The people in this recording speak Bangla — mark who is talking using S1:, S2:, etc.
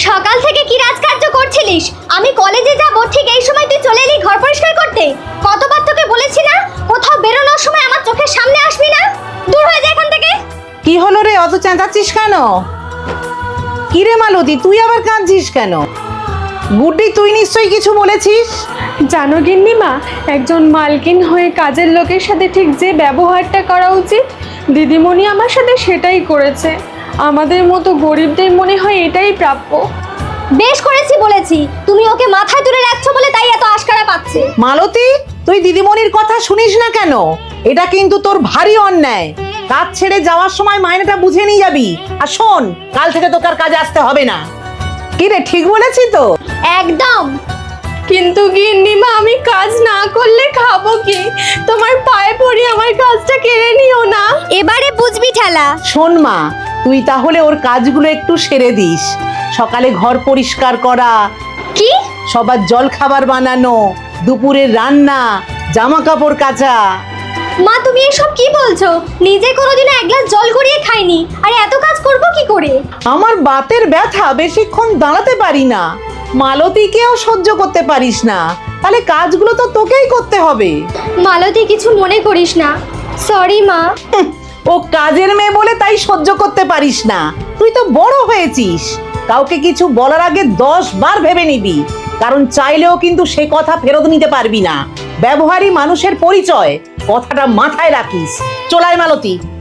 S1: সকাল থেকে কি রাজকার্য করছিলিস? আমি কলেজে যাব ঠিক এই সময় তুই চলে এলি ঘর পরিষ্কার করতে। কতবার তোকে বলেছি না কোথাও বেরোনোর সময় আমার চোখের সামনে আসবি না? দূর হয়ে যা এখান থেকে।
S2: কি হলো রে, অত চেঁচাচ্ছিস কেন? কি রে মালতী, তুই আবার কাঁদছিস কেন? গুড্ডি, তুই নিশ্চয়ই কিছু বলেছিস।
S3: জানো গিন্নিমা, একজন মালকিন হয়ে কাজের লোকের সাথে ঠিক যে ব্যবহারটা করা উচিত, দিদিমণি আমার সাথে সেটাই করেছে। আমাদের মতো গরিবদের মনে হয় এটাই প্রাপ্য।
S1: বেশ করেছি বলেছি, তুমি ওকে মাথায় তুলে রাখছো বলে তাই এত আশকারা পাচ্ছে।
S2: মালতী, তুই দিদিমণির কথা শুনিস না কেন? এটা কিন্তু তোর ভারী অন্যায়। কাজ ছেড়ে যাওয়ার সময় মাইনেটা বুঝে নিয়ে যাবি। আর শোন, কাল থেকে তোকে আর কাজে আসতে হবে না। কি রে, ঠিক বলেছি তো?
S1: একদম।
S3: কিন্তু গিন্নিমা, আমি কাজ না করলে খাবো কি? তোমার পায়ে পড়ি, আমার কাজটা কেড়ে নিও না।
S1: এবারে বুঝবি ঠেলা।
S2: শোন মা, তুই তাহলে ওর কাজগুলো একটু সেরে দিস। সকালে ঘর পরিষ্কার করা,
S1: কি?
S2: সবার জল খাবার বানানো, দুপুরের রান্না, জামা কাপড় কাচা।
S1: মা, তুমি এসব কি বলছো? নিজে কোনোদিনও এক গ্লাস জল গড়িয়ে খাইনি, আর এত কাজ করব কি করে?
S2: আমার বাতের ব্যথা, বেশিক্ষণ দাঁড়াতে পারি না। মালতীকেও সহ্য করতে পারিস না, তাহলে কাজগুলো তো তোকেই করতে হবে।
S1: মালতী, কিছু মনে করিস না। সরি মা।
S2: ও কাজের মেয়ে বলে তাই সহ্য করতে পারিস না। তুই তো বড় হয়েছিস, কাউকে কিছু বলার আগে 10 বার ভেবে নিবি, কারণ চাইলেও কিন্তু সে কথা ফেরত নিতে পারবি না। ব্যবহারই মানুষের পরিচয়, কথাটা মাথায় রাখিস। চল আয় মালতী।